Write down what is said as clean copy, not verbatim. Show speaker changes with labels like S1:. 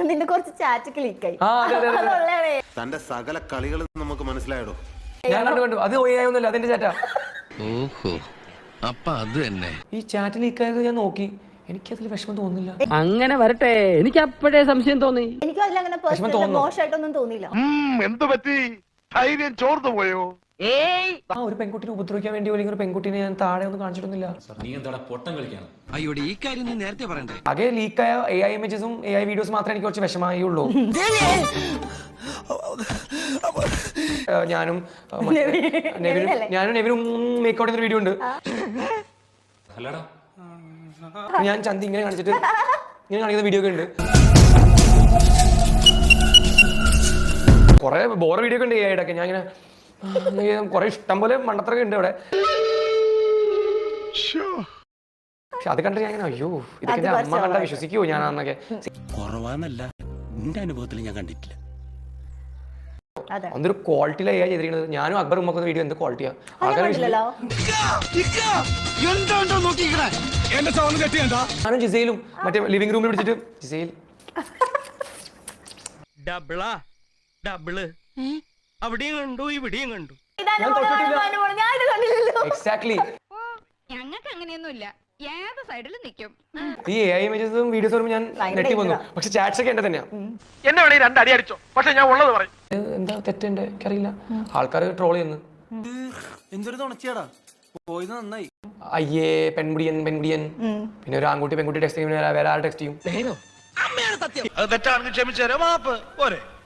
S1: നിന്റെ കുറച്ച് ചാറ്റ് ക്ലിക്കായി.
S2: തന്റെ സകല കളികളും നമുക്ക് മനസ്സിലായടോ.
S3: ഞാൻ കണ്ടു അത് ഒന്നുമില്ല, അതിന്റെ ചാറ്റാ.
S4: ഓഹോ, അപ്പൊ അത് തന്നെ.
S3: ഈ ചാറ്റ് ലീക്കായത് ഞാൻ നോക്കി, എനിക്കതിൽ വിഷമം തോന്നുന്നില്ല.
S5: അങ്ങനെ വരട്ടെ, എനിക്ക് അപ്പോഴേ സംശയം തോന്നി.
S1: എനിക്കും അതിലങ്ങനെ പേഴ്സണലി മോശമായിട്ടൊന്നും തോന്നിയില്ല.
S2: എന്ത് പറ്റി? ധൈര്യം ചോർന്നു പോയോ?
S3: ആ ഒരു പെൺകുട്ടിനെ ഉപദ്രവിക്കാൻ വേണ്ടി അല്ലെങ്കിൽ ഒരു പെൺകുട്ടിനെ ഞാൻ താഴെ ഒന്നും കാണിച്ചിട്ടൊന്നുമില്ല.
S4: അയ്യോടെ ഈ കാര്യം നീ നേരത്തെ പറയണ്ടേ.
S3: ആകെ ലീക്കായ AI ഇമേജസും AI വീഡിയോസും മാത്രമേ എനിക്ക് കുറച്ച് വിഷമമായുള്ളൂ. ഞാനും നെവിനും മേക്കൗട്ട് ചെയ്യുന്ന വീഡിയോ ഉണ്ട്. ഞാൻ ചന്തി ഇങ്ങനെ കാണിച്ചിട്ട് ഇങ്ങനെ കാണിക്കുന്ന വീഡിയോ ഒക്കെ ഉണ്ട്. കുറെ ബോർ വീഡിയോ ഒക്കെ ഉണ്ട് AI ഒക്കെ. ഞാൻ ഇങ്ങനെ കുറെ ഇഷ്ടം പോലെ മണ്ടത്തരൊക്കെ ഉണ്ട് അവിടെ. പക്ഷെ അത് കണ്ടിട്ട് ഞാൻ അയ്യോ ഇതൊക്കെ എന്റെ അമ്മ കണ്ടാ വിശ്വസിക്കുവോ ഞാൻ അന്നൊക്കെ.
S6: കുറവാന്നല്ല, എന്റെ അനുഭവത്തിൽ ഞാൻ കണ്ടിട്ടില്ല.
S3: അതൊരു ക്വാളിറ്റിയിലാണ് AI ചെയ്തിരിക്കുന്നത്. ഞാനും അക്ബർ ഉമ്മക്കുന്ന വീഡിയോ എന്ത് ക്വാളിറ്റിയാ. ഞാനും ജിസയിലും മറ്റേ ലിവിംഗ് റൂമിൽ പിടിച്ചിട്ട് ജിസയിൽ
S7: അവിടെയും കണ്ടു ഇവിടെയും കണ്ടു.
S3: എക്സാക്ട്ലി.
S8: ഞങ്ങൾക്ക് അങ്ങനെയൊന്നുമില്ല, ഏത് സൈഡിലും നിൽക്കും.
S3: ഈ AI ഇമേജസും വീഡിയോസ് വരുമ്പോൾ ഞാൻ നെട്ടി വന്നു. പക്ഷെ ചാറ്റ്സ് ഒക്കെ എന്റെ തന്നെയാ.
S7: എന്നെ വേണേ രണ്ടടി അടിച്ചോ, പക്ഷെ ഞാൻ ഉള്ളത് പറയും.
S3: എന്താ തെറ്റെന്റെ എനിക്കറിയില്ല. ആൾക്കാർ ട്രോൾ ചെയ്യുന്നു.
S6: എന്തൊരു തുണച്ചിയാടാ, പോയത് നന്നായി.
S3: അയ്യേ പെൺകുടിയൻ പിന്നെ ഒരു ആൺകുട്ടി പെൺകുട്ടി ടെക്സ്റ്റ് ചെയ്യും, വേറെ ആൾ ടെക്സ്റ്റ് ചെയ്യും.
S7: അത് തെറ്റാണെങ്കിൽ ക്ഷമിച്ചു തരാം, മാപ്പ് പോരെ.